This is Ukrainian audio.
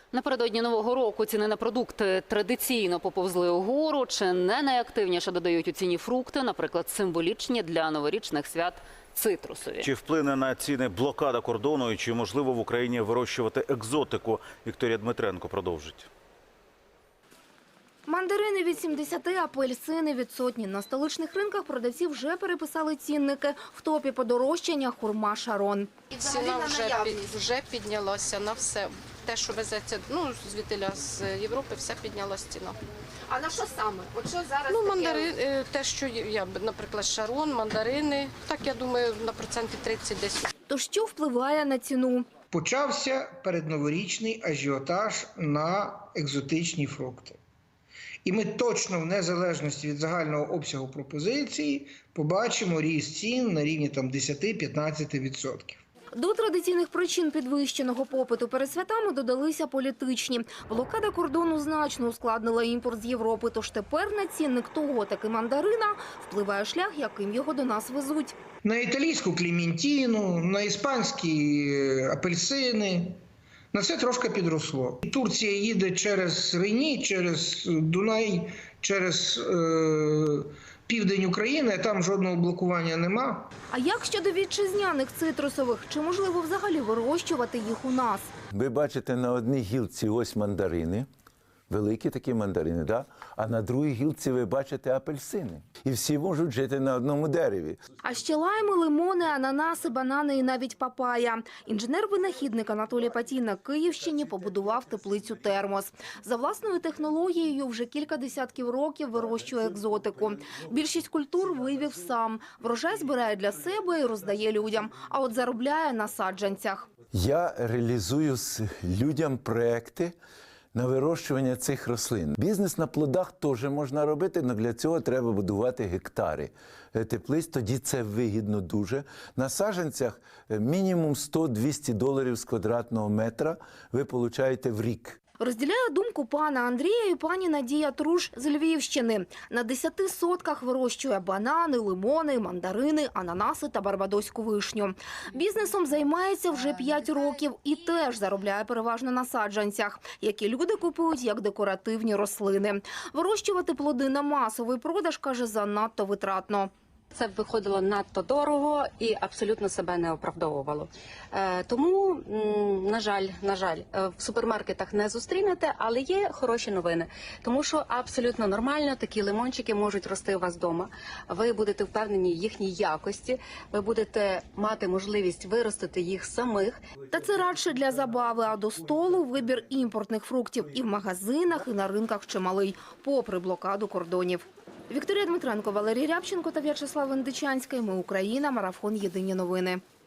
Напередодні Нового року ціни на продукти традиційно поповзли угору. Чи не найактивніше додають у ціні фрукти, наприклад, символічні для новорічних свят цитрусові? Чи вплине на ціни блокада кордону і чи можливо в Україні вирощувати екзотику? Вікторія Дмитренко продовжить. Мандарини від 70, апельсини від сотні. На столичних ринках продавці вже переписали цінники. В топі подорожчання – хурма Шарон. Ціна вже піднялася на все. Те, що везеться звідтиля з Європи, все піднялася ціна. А на що саме? От що зараз мандарини, те, що я, наприклад, Шарон, мандарини, так, я думаю, на проценти 30 десь. То що впливає на ціну? Почався передноворічний ажіотаж на екзотичні фрукти. І ми точно, в незалежності від загального обсягу пропозиції, побачимо ріст цін на рівні 10-15%. До традиційних причин підвищеного попиту перед святами додалися політичні. Блокада кордону значно ускладнила імпорт з Європи, тож тепер на цінник того таки мандарина впливає шлях, яким його до нас везуть. На італійську клементіну, на іспанські апельсини. На це трошки підросло. Турція їде через Рені, через Дунай, через південь України, там жодного блокування нема. А як щодо вітчизняних цитрусових? Чи можливо взагалі вирощувати їх у нас? Ви бачите на одній гілці ось мандарини, великі такі мандарини, да? А на другій гілці ви бачите апельсини. І всі можуть жити на одному дереві. А ще лайми, лимони, ананаси, банани і навіть папая. Інженер-винахідник Анатолій Патій на Київщині побудував теплицю «Термос». За власною технологією вже кілька десятків років вирощує екзотику. Більшість культур вивів сам. Врожай збирає для себе і роздає людям. А от заробляє на саджанцях. Я реалізую людям проекти на вирощування цих рослин. Бізнес на плодах теж можна робити, але для цього треба будувати гектари теплиць, тоді це вигідно дуже. На саджанцях мінімум $100-200 з квадратного метра ви отримаєте в рік. Розділяє думку пана Андрія і пані Надія Труш з Львівщини. На 10 сотках вирощує банани, лимони, мандарини, ананаси та барбадоську вишню. Бізнесом займається вже 5 років і теж заробляє переважно на саджанцях, які люди купують як декоративні рослини. Вирощувати плоди на масовий продаж, каже, занадто витратно. Це виходило надто дорого і абсолютно себе не оправдовувало. Тому, на жаль, в супермаркетах не зустрінете, але є хороші новини. Тому що абсолютно нормально такі лимончики можуть рости у вас вдома. Ви будете впевнені в їхній якості, ви будете мати можливість виростити їх самих. Та це радше для забави, а до столу вибір імпортних фруктів і в магазинах, і на ринках чималий, попри блокаду кордонів. Вікторія Дмитренко, Валерій Рябченко та В'ячеслав Індичанський. Ми Україна. Марафон. Єдині новини.